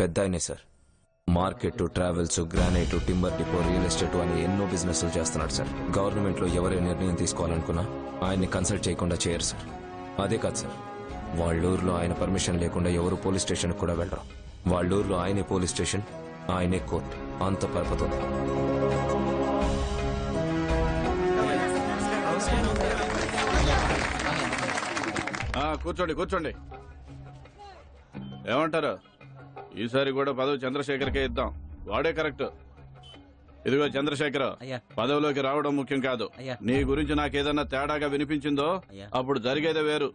పెద్ద ఆయనే sir. Market, travels, granite, timber depot, real estate అని ఎన్నో బిజినెస్లు చేస్తున్నాడు సార్. గవర్నమెంట్ లో ఎవరే నిర్ణయం తీసుకోవాలనుకున్నా ఆయన్ని కన్సల్ట్ చేయకుండా చేయరు సార్. అదే కాదు సార్, వాళ్ళూరులో ఆయన పర్మిషన్ లేకుండా ఎవరు పోలీస్ స్టేషన్ కూడా వెళ్ళరు. వాళ్ళూరులో ఆయనే పోలీస్ స్టేషన్, ఆయనే కోర్టు, అంత పరపతి ఉంది. కూర్చోండి కూర్చోండి. ఏమంటారు? ఈసారి కూడా పదవి చంద్రశేఖర్కే ఇద్దాం. వాడే కరెక్ట్. ఇదిగో చంద్రశేఖర్, పదవిలోకి రావడం ముఖ్యం కాదు. నీ గురించి నాకేదన్నా తేడాగా వినిపించిందో అప్పుడు జరిగేదే వేరు.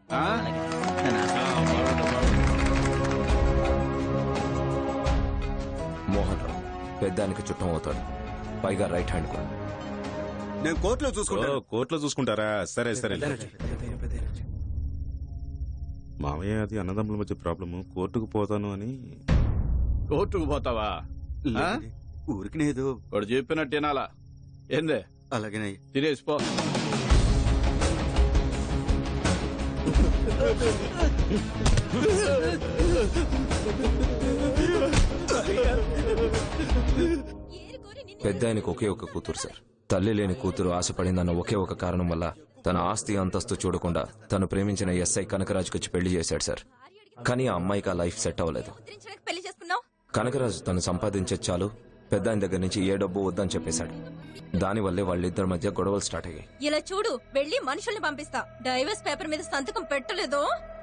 మోహన్ రావు పెద్దానికి చుట్టం అవుతాడు, పైగా రైట్ హ్యాండ్ కూడా. నేను కోర్టులో చూసుకుంటాను. కోర్టులో చూసుకుంటారా? సరే సరే. మామయ్య, అది అన్నదమ్ముల మధ్య ప్రాబ్లము. కోర్టుకు పోతాను అని. కోర్టుకు పోతావా? ఊరికి లేదు, వాడు చెప్పినట్టు వినాలా? ఏందే? అలాగే తినేసిపో. పెద్ద ఆయనకు ఒకే ఒక కూతురు సార్. తల్లి లేని కూతురు ఆశపడిందన్న ఒకే ఒక కారణం వల్ల తన ఆస్తి అంతస్తు చూడకుండా తను ప్రేమించిన ఎస్ఐ కనకరాజుకొచ్చి పెళ్లి చేశాడు సార్. కానీ ఆ అమ్మాయికి ఆ లైఫ్ సెట్ అవ్వలేదు. కనకరాజు తను సంపాదించే చాలు, పెద్ద ఆయన దగ్గర నుంచి ఏ డబ్బు వద్దని చెప్పేశాడు. దానివల్లే వాళ్ళిద్దరి మధ్య గొడవలు స్టార్ట్ అయ్యాయి. ఇలా చూడు, వెళ్లి మనుషుల్ని పంపిస్తా. డైవర్స్ పేపర్ మీద సంతకం పెట్టలేదు.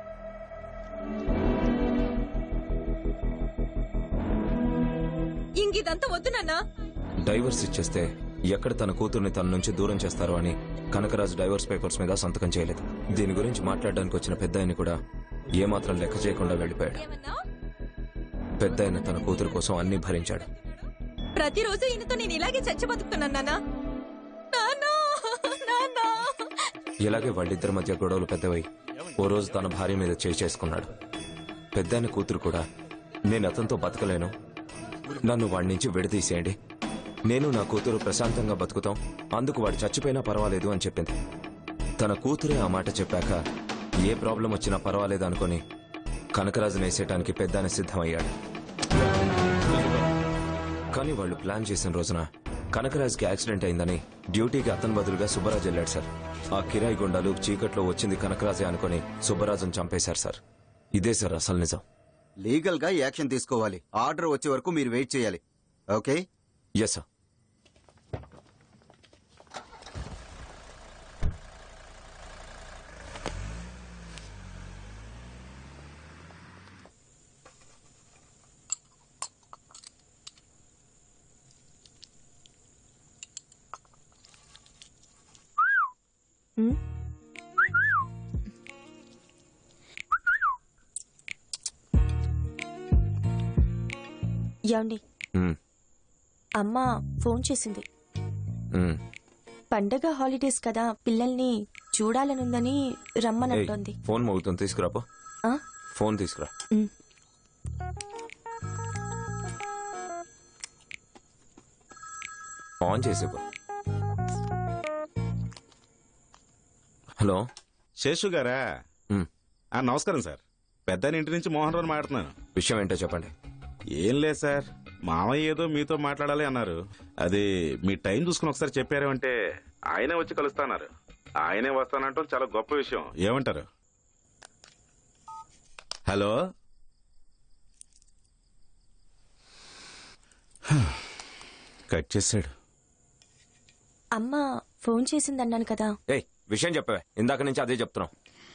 ఇంకిదంతా వద్దు నాన్నా. డైవర్స్ ఇచ్చేస్తే ఎక్కడ తన కూతుర్ని తన నుంచి దూరం చేస్తారో అని కనకరాజు డైవర్స్ పేపర్స్ మీద సంతకం చేయలేదు. దీని గురించి మాట్లాడడానికి వచ్చిన పెద్ద ఆయన కూడా ఏమాత్రం లెక్క చేయకుండా వెళ్లిపోయాడు. పెద్ద ఆయన తన కూతురు కోసం అన్ని భరించాడు. ప్రతిరోజు ఈయనతో నేను ఇలాగే చచ్చి బతుకుతున్నాను నాన్నా. ఇలాగే వాళ్ళిద్దరి మధ్య గొడవలు పెద్దవై ఓ రోజు తన భార్య మీద చేసుకున్నాడు. పెద్ద ఆయన కూతురు కూడా నేను అతనితో బతకలేను, నన్ను వాడి నుంచి విడదీసేయండి, నేను నా కూతురు ప్రశాంతంగా బతుకుతాం, అందుకు వాడు చచ్చిపోయినా పర్వాలేదు అని చెప్పింది. తన కూతురే ఆ మాట చెప్పాక ఏ ప్రాబ్లం వచ్చినా పర్వాలేదు అనుకుని కనకరాజు నేసేయటానికి పెద్దానే సిద్ధమయ్యాడు. కానీ వాళ్ళు ప్లాన్ చేసిన రోజున కనకరాజుకి యాక్సిడెంట్ అయిందని డ్యూటీకి అతని బదులుగా సుబ్బరాజు వెళ్ళాడు సార్. ఆ కిరాయి గుండాలు చీకట్లో వచ్చింది కనకరాజే అనుకుని సుబ్బరాజును చంపేశారు సార్. ఇదే సార్ అసలు నిజం. లీగల్ గా యాక్షన్ తీసుకోవాలి. ఆర్డర్ వచ్చే వరకు మీరు వెయిట్ చేయాలి. ఓకే? Yes sir. యాండి, అమ్మ ఫోన్ చేసింది. పండగ హాలిడేస్ కదా, పిల్లల్ని చూడాలనుందని రమ్మనంటోంది. ఫోన్ మోగుతుంది, తీసుకురాపో. ఫోన్ తీసుకురా. ఆన్ చేసేపో. హలో, శేషు గారా? నమస్కారం సార్. పెద్ద ఇంటి నుంచి మోహన్ రావు మాట్లాడుతున్నాను. విషయం ఏంటో చెప్పండి. ఏం లేదు సార్, మామయ్య ఏదో మీతో మాట్లాడాలి అన్నారు. అది మీ టైం చూసుకుని ఒకసారి చెప్పారు అంటే ఆయనే వచ్చి కలుస్తాన్నారు. ఆయనే వస్తానంటాం చాలా గొప్ప విషయం. ఏమంటారు? హలో, కట్ చేశాడు. అమ్మ ఫోన్ చేసిందన్నాను కదా. విషయం చెప్పవే, ఇందాక నుంచి అదే చెప్తున్నాం.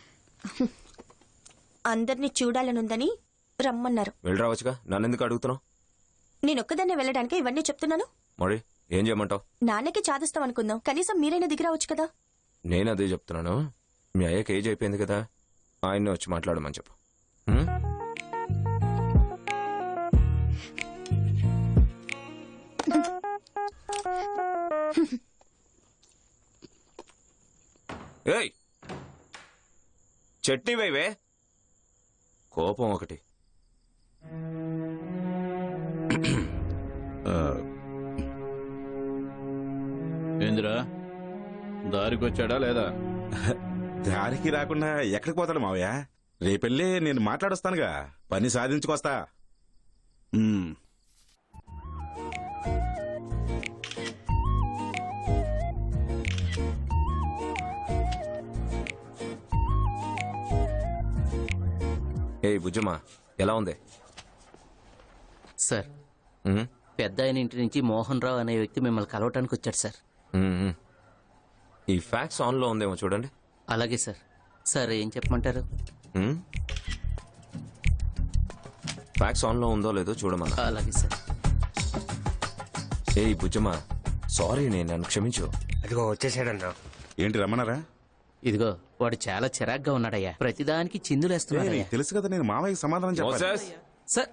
అందరినీ చూడాలనుందని రమ్మన్నారు. వెళ్ళి రావచ్చుగా, నన్ను ఎందుకు అడుగుతున్నావు? నేనొక్కదాన్నే వెళ్ళడానికి ఇవన్నీ చెప్తున్నాను. మరి ఏం చేయమంటావు? నాన్నకి చాదిస్తాం అనుకుందాం, కనీసం మీరైనా దిగిరావచ్చు కదా. నేను అదే చెప్తున్నాను. మీ అయ్యకి ఏజ్ అయిపోయింది కదా, ఆయన్ని వచ్చి మాట్లాడమని చెప్పు. ఏయ్, చట్నీ వేవే. కోపం ఒకటి. ఏందిరా, దారికొచ్చాడా లేదా? దారికి రాకుండా ఎక్కడికి పోతాడు మావయ్య? రేపెళ్ళి నేను మాట్లాడొస్తానుగా, పని సాధించుకొస్తా. మ్మ్. ఏ బుజ్జమ్మా ఎలా ఉంది? సార్ ఉమ్, పెద్ద ఆయన ఇంటి నుంచి మోహన్ రావు అనే వ్యక్తి మిమ్మల్ని కలవటానికి వచ్చాడు సార్. ఉమ్, ఉమ్. ఈ ఫ్యాక్స్ ఆన్లో ఉందేమో చూడండి. అలాగే సార్. సార్ ఏం చెప్పమంటారు? ఉమ్. ఫ్యాక్స్ ఆన్లో ఉందో లేదో చూడమన్నా. అలాగే సార్. ఏ బుజ్జమ్మా సారీ, నేను నన్ను క్షమించు. అదిగో వచ్చేసాడన్నా. ఏంటి రమ్మన్నారా? ఇదిగో వాడు చాలా చిరాగ్గా ఉన్నాడయ్యా, ప్రతిదానికి చిందులేస్తున్నాడు. నీకు తెలుసు కదా నేను మామయ్యకి సమాధానం చెప్పాలి. మోసెస్, సార్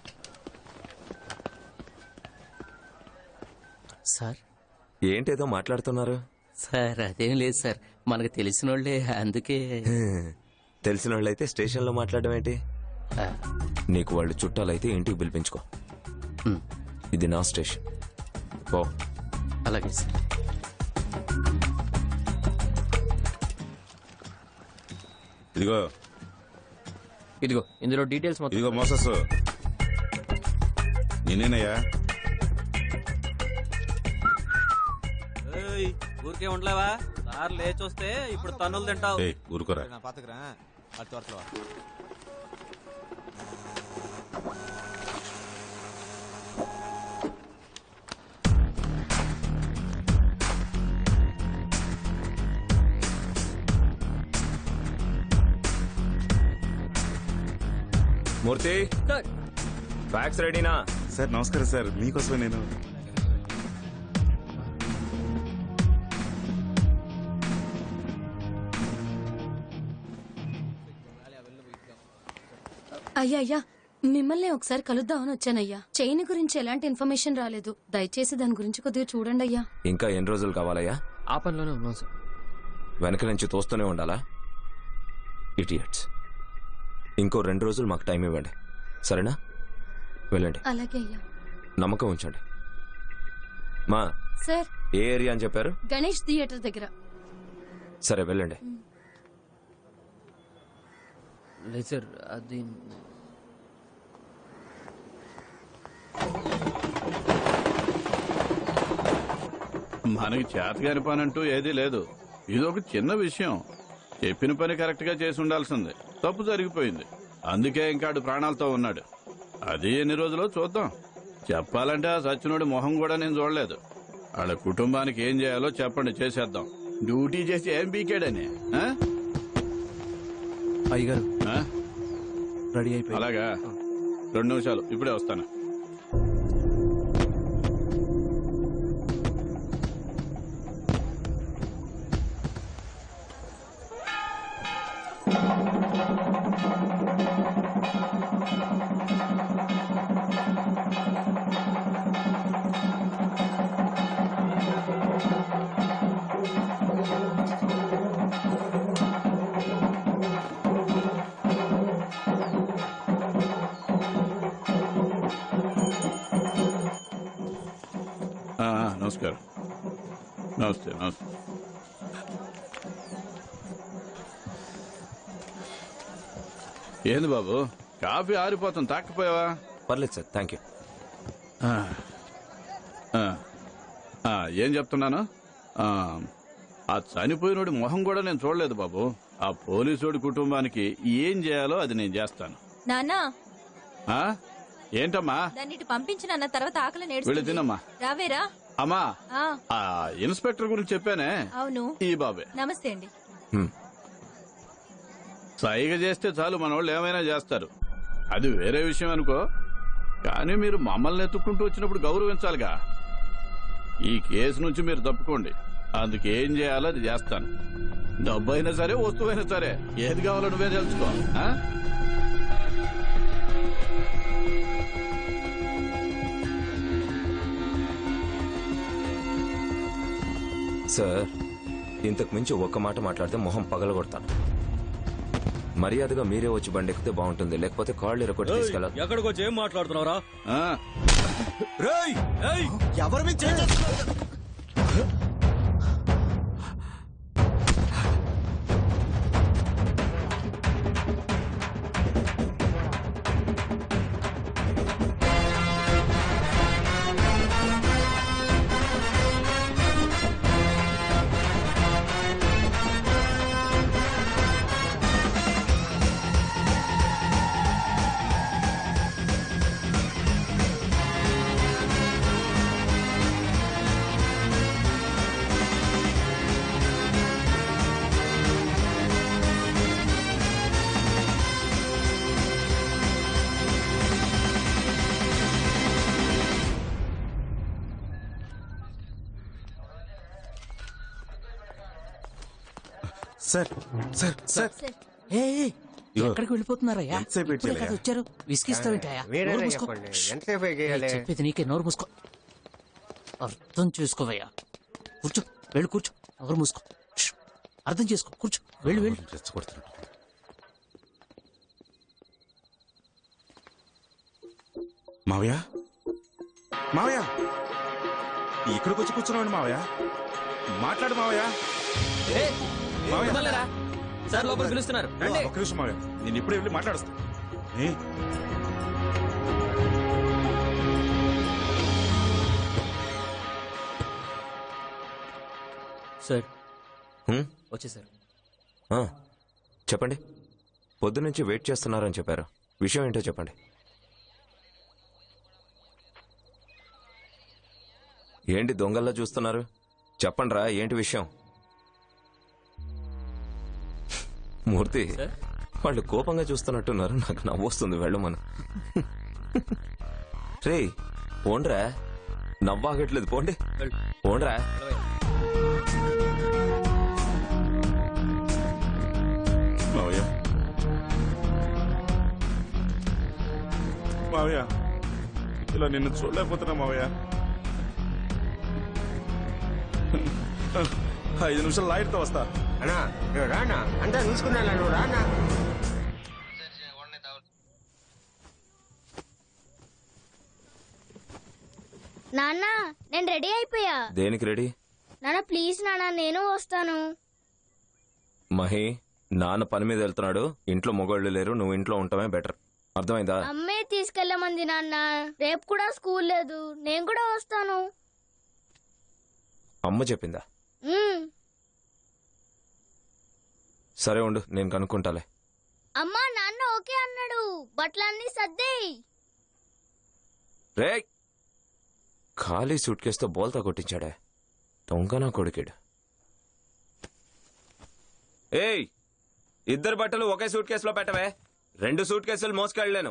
సార్ ఏంటేదో మాట్లాడుతున్నారు? సార్ అదేం లేదు సార్, మనకు తెలిసిన వాళ్ళే అందుకే. తెలిసిన వాళ్ళైతే స్టేషన్లో మాట్లాడడం ఏంటి? ఆ, నీకు వాళ్ళు చుట్టాలైతే ఇంటికి పిలిపించుకో. ఉమ్, ఇది నా స్టేషన్. ఓ అలాగే సార్. ఇదిగో ఇదిగో ఇందులో డీటెయిల్స్ మొత్తం. ఇదిగో మోసస్, నేనేనయ్యా. ఊరికే ఉండలేవా? సార్ లేచొస్తే ఇప్పుడు తన్నులు తింటావు. ఏయ్ ఊరుకోరా. మూర్తి, ఫ్యాక్స్ రెడీనా? సార్ నమస్కారం సార్, మీకోసమే నేను. అయ్యా అయ్యా, మిమ్మల్ని ఒకసారి కలుద్దామని వచ్చానయ్యా. చైన్ గురించి ఎలాంటి ఇన్ఫర్మేషన్ రాలేదు, దయచేసి దాని గురించి కొద్దిగా చూడండి అయ్యా. ఇంకా ఎన్ని రోజులు కావాలయ్యా? ఆ పనిలోనే ఉన్నాం సార్. వెనక నుంచి తోస్తూనే ఉండాలా? ఇడియట్స్. ఇంకో 2 రోజులు మాకు టైం ఇవ్వండి, సరేనా? వెళ్ళండి. అలాగే అయ్యా. నమ్మకం ఉంచండి. మా సార్, ఏ ఏరియా అని చెప్పారు? గణేష్ థియేటర్ దగ్గర. సరే వెళ్ళండి. లేదు సార్, అది మనకి చేతగాని పని అంటూ ఏదీ లేదు. ఇదొక చిన్న విషయం. చెప్పిన పని కరెక్ట్ గా చేసి ఉండాల్సింది, తప్పు జరిగిపోయింది. అందుకే ఇంకాడు ప్రాణాలతో ఉన్నాడు. అది ఎన్ని రోజులో చూద్దాం. చెప్పాలంటే ఆ సచ్చినోడి మొహం కూడా నేను చూడలేదు. వాళ్ళ కుటుంబానికి ఏం చేయాలో చెప్పండి, చేసేద్దాం. డ్యూటీ చేసి ఏం పీకాడని. ఆ? అయ్యగారు ఆ? రెడీ అయిపోయి. అలాగా, 2 నిమిషాలు, ఇప్పుడే వస్తాను. నమస్కారం. నమస్తే నమస్తే. ఏంది బాబు, కాఫీ ఆరిపోతుంది, తాకపోయావా? పర్లేదు సార్, థ్యాంక్ యూ. ఏం చెప్తున్నాను, ఆ చనిపోయినోడి మొహం కూడా నేను చూడలేదు బాబు. ఆ పోలీసుడి కుటుంబానికి ఏం చేయాలో అది నేను చేస్తాను. నాన్నా, ఆ? ఏంటమ్మా? దాన్ని ఇటు పంపించిన తర్వాత ఆకలి వెళ్ళి నేడుస్తుంది. తినమ్మా. రావేరా? అమ్మా, ఆ, ఆ ఇన్స్పెక్టర్ గురించి చెప్పానే, అవును. ఈ బాబే. నమస్తే అండి. సైగ చేస్తే చాలు మనోళ్ళు ఏమైనా చేస్తారు. అది వేరే విషయం అనుకో, కానీ మీరు మమ్మల్ని ఎత్తుక్కుంటూ వచ్చినప్పుడు గౌరవించాలిగా. ఈ కేసు నుంచి మీరు తప్పుకోండి, అందుకు ఏం చేయాలో అది చేస్తాను. డబ్బు అయినా సరే, వస్తువైనా సరే, ఏది కావాలో నువ్వే తెలుసుకో. ఆ? సార్, ఇంతకు మించి ఒక్క మాట మాట్లాడితే మొహం పగలగొడతాను. మర్యాదగా మీరే వచ్చి బండి ఎక్కితే బాగుంటుంది, లేకపోతే కాళ్ళు ఎరగొట్టి తీసుకెళ్ళాలి. ఎక్కడికి వచ్చి ఏం మాట్లాడుతున్నారా? ఆ? ఎవరి మీద చేయి చేసుకున్నారు? సార్ సార్ సార్ ఏ, ఏ, ఇగో. ఎక్కడికి వెళ్ళిపోతున్నారయ్యా? ఎంతసేపు వెయిట్ ఇప్పుడే చేయాలి? కదా వచ్చారు, విసిగిస్తావేంటయ్యా? నోరు మూసుకో. చెప్పేది నీకే, నోరు మూసుకో. అర్థం చేసుకోవయ్యా. కూర్చో, వెళ్ళి కూర్చో. నోరు మూసుకో. ష్. అర్థం చేసుకో, కూర్చో. వెళ్ళు వెళ్ళు. రెచ్చగొడుతున్నాడు. మావయ్య మావయ్య ఇక్కడికి వచ్చి కూర్చున్నాడు మావయ్య. మాట్లాడు మావయ్య. మావయ్య సార్ లోపల పిలుస్తున్నారు. ఒక్క నిమిషం మావయ్య, నేను ఇప్పుడే వెళ్ళి మాట్లాడుస్తా. ఏ? సార్ హ్మ్? వచ్చేసారు. ఆ, చెప్పండి. పొద్దునుంచి వెయిట్ చేస్తున్నారని చెప్పారు. విషయం ఏంటో చెప్పండి. ఏంటి దొంగల్లా చూస్తున్నారు? చెప్పండ్రా, ఏంటి విషయం? మూర్తి, వాళ్ళు కోపంగా చూస్తున్నట్టున్నారు. నాకు నవ్వొస్తుంది. వెళ్ళమను. రే పోండ్రా, నవ్వాగట్లేదు. పోండి, పోండ్రా. మావయ్య మావయ్య, ఇలా నిన్ను చూడలేకపోతున్నా మావయ్య. 5 నిమిషాలు లాయర్తో వస్తా. అన్నా నువ్వు రానా, అంతా చూసుకున్నా నువ్వు రానా. నాన్న నేను రెడీ అయిపోయా. దేనికి రెడీ? నాన్న ప్లీజ్ నాన్న, నేను వస్తాను. మహి, నాన్న పని మీద వెళ్తున్నాడు. ఇంట్లో మొగోళ్ళు లేరు. నువ్వు ఇంట్లో ఉండటమే బెటర్. అర్థమైందా? అమ్మే తీసుకెళ్ళమంది నాన్న. రేపు కూడా స్కూల్ లేదు, నేను కూడా వస్తాను. అమ్మ చెప్పిందా? ఉమ్. సరే ఉండు, నేను కనుక్కుంటాలే. అమ్మా నాన్న ఓకే అన్నాడు. బట్టలన్నీ సర్దేయ్. రే, ఖాళీ సూట్ కేసుతో బోల్తా కొట్టించాడే. దొంగనా కొడుకేడు. ఏయ్, ఇద్దరు బట్టలు ఒకే సూట్ కేసులో పెట్టవే. 2 సూట్ కేసులు మోసుకెళ్ళలేను.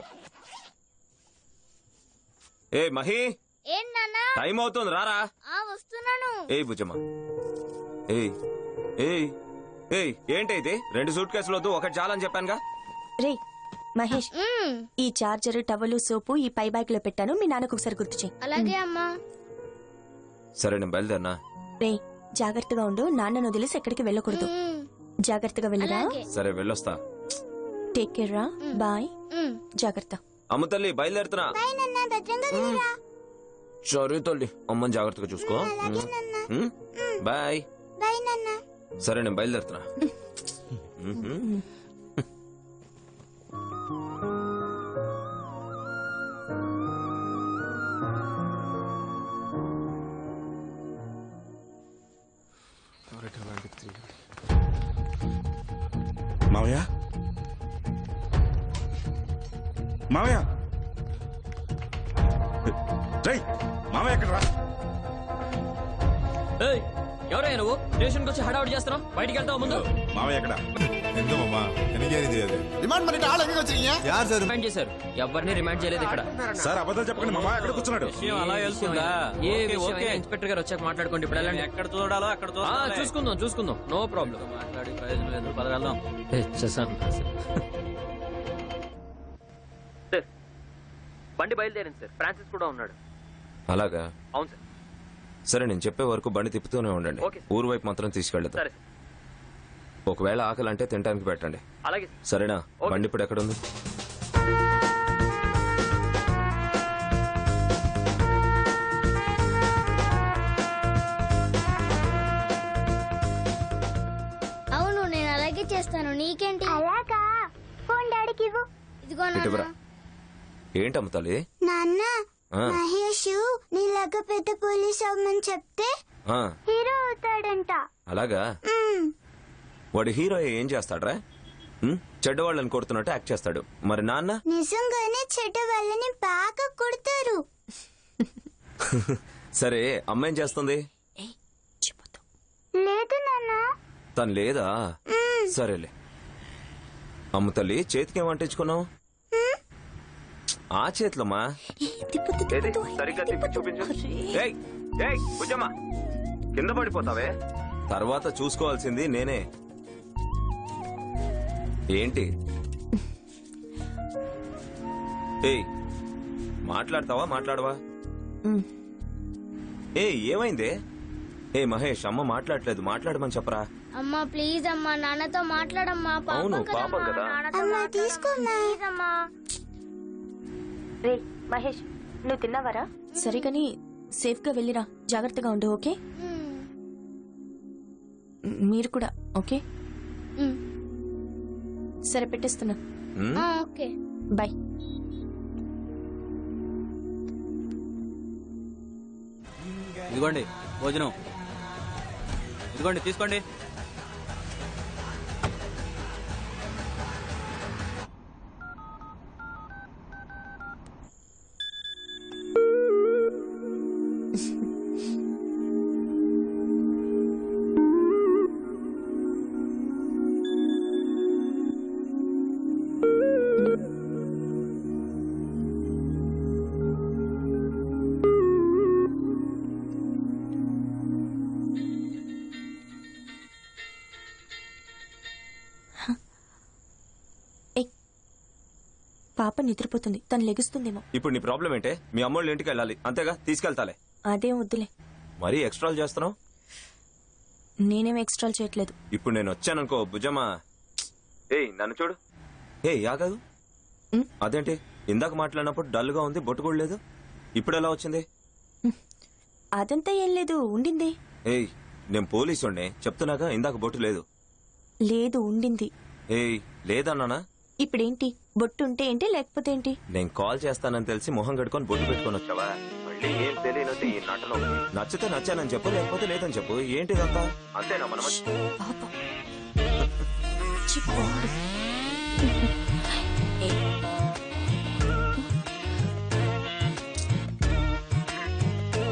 ఏ మహి, ఏం నాన్న? టైం అవుతుంది, రారా. వస్తున్నాను. ఏయ్ భుజమ్మ, ఏయ్ ఏయ్ ఏయ్, ఏంటి ఇది? 2 సూట్ కేసులు వద్దు, ఒకటి చాలని చెప్పానుగా. రే మహేష్, ఈ చార్జర్, టవలు, సోపు ఈ పై బ్యాగ్ లో పెట్టాను. మీ నాన్నకు ఒకసారి గుర్తు చేయి. అలాగే అమ్మా. సరే, నేను బయలుదేరినా. రే జాగ్రత్తగా ఉండు. నాన్నను వదిలేసి ఎక్కడికి వెళ్ళకూడదు. జాగ్రత్తగా వెళ్ళరా. సరే, వెళ్ళొస్తా. టేక్ కేర్ రా. బాయ్. జాగ్రత్త. అమ్మ తల్లి, బయలుదేరుతున్నా. సరే తల్లి, అమ్మని జాగ్రత్తగా చూసుకో. బాయ్. సరే, నేను బయలుదేరుతున్నా. మావయ్య మావయ్య, రై మావయ్య ఎక్కడ రా. ఎవరయ్యా నువ్వు? స్టేషన్కి వచ్చి హడావుడి చేస్తున్నావు. బయటికి వెళ్తావు ముందు. మావయ్య ఎక్కడ? రిమైండ్ చేశారు. ఎవరిని రిమైండ్ చేయలేదు ఇక్కడ. సార్ అబద్ధాలు చెప్పకండి. మా మావయ్య ఎక్కడ కూర్చున్నాడు. అలా వెళ్తుందా? ఏ విషయం ఇన్స్పెక్టర్ గారు వచ్చాక మాట్లాడుకోండి. ఇప్పుడు వెళ్ళండి. ఎక్కడ చూడాలో అక్కడ చూసుకుందాం. చూసుకుందాం, నో ప్రాబ్లం. మాట్లాడి ప్రయోజనం లేదు. పదగలదాం. బండి బయలుదేరింది సార్. ఫ్రాన్సిస్ కూడా ఉన్నాడు. అలాగా? అవును సార్. సరే, నేను చెప్పే వరకు బండి తిప్పుతూనే ఉండండి. ఓకే. ఊరు వైపు మాత్రం తీసుకెళ్తా. సరే. ఒకవేళ ఆకలి అంటే తినడానికి పెట్టండి. అలాగే. సరేనా? ఓకే. బండి ఇప్పుడు ఎక్కడుంది? అవును, నేను అలాగే చేస్తాను. నీకేంటి? అలాగా. ఫోన్ డాడీకి ఇవ్వు. ఇదిగో ఇటువరా. ఏంటమ్మ తల్లి? నాన్న, ఆ, మహేష్ నీలాగా పెద్ద పోలీస్ అవ్వమని చెప్తే ఆ, హీరో అవుతాడంట. అలాగా? వాడు హీరో ఏం చేస్తాడ్రా? చెడ్డవాళ్ళని కొడుతున్నట్టు యాక్ట్ చేస్తాడు. మరి నాన్న? నిజంగానే చెడ్డ వాళ్ళని బాగా కొడతారు. సరే, అమ్మ ఏం చేస్తుంది? లేదు నాన్న. తను లేదా? సరేలే. అమ్మ తల్లి, చేతికి ఏమంటించుకున్నావు? ఆ చేతిలోమా. సరిగ్గా తిప్పి చూపించు. ఏయ్, ఏయ్, భుజమ్మ, కింద పడిపోతావే. తర్వాత చూసుకోవాల్సింది నేనే. ఏంటి? ఏయ్ మాట్లాడతావా మాట్లాడవా? ఏమైంది? మహేష్, అమ్మ మాట్లాడలేదు, మాట్లాడమని చెప్పరా. అమ్మా ప్లీజ్ అమ్మా, నాన్నతో మాట్లాడమ్మా. అవును పాపం కదా. తీసుకోమ్మా. రే మహేష్, నువ్వు తిన్నావరా? సరే కానీ సేఫ్ గా వెళ్ళిరా, జాగ్రత్తగా ఉండు. ఓకే? మీరు కూడా. ఓకే సరే, పెట్టేస్తున్నా. Okay bye. ఇదిగోండి భోజనం, ఇదిగోండి తీసుకోండి. పాప నిద్రపోతుంది, తను లెగుస్తుందేమో. ఇప్పుడు నీ ప్రాబ్లం ఏంటే? మీ అమ్మోళ్ళ ఇంటికి వెళ్ళాలి అంతేగా, తీసుకెళ్తాలే. అదేం వద్దులే. మరీ ఎక్స్ట్రాలు చేస్తున్నావు. నేనేం ఎక్స్ట్రాలు చేయట్లేదు. ఇప్పుడు నేను వచ్చాననుకో భుజమా. నన్ను చూడు. ఆగదు. అదేంటి ఇందాక మాట్లాడినప్పుడు డల్ గా ఉంది, బొట్టు కూడా లేదు, ఇప్పుడు ఎలా వచ్చింది? అదంతా ఏం లేదు, ఉండింది. నేను పోలీసుండే చెప్తున్నాగా, ఇందాక బొట్టు లేదు. లేదు, ఉండింది. లేదన్నానా? ఇప్పుడేంటి? బొట్టు ఉంటే ఏంటి, లేకపోతే ఏంటి? నేను కాల్ చేస్తానని తెలిసి మొహం కట్టుకొని బొట్టు పెట్టుకొని వచ్చావా? మళ్ళీ ఏం తెలియనట్టు ఈ నటన. నచ్చితే నచ్చానని చెప్పు, లేకపోతే లేదని చెప్పు. ఏంటిదంతా? అంతేనా మనం? చిప్పు.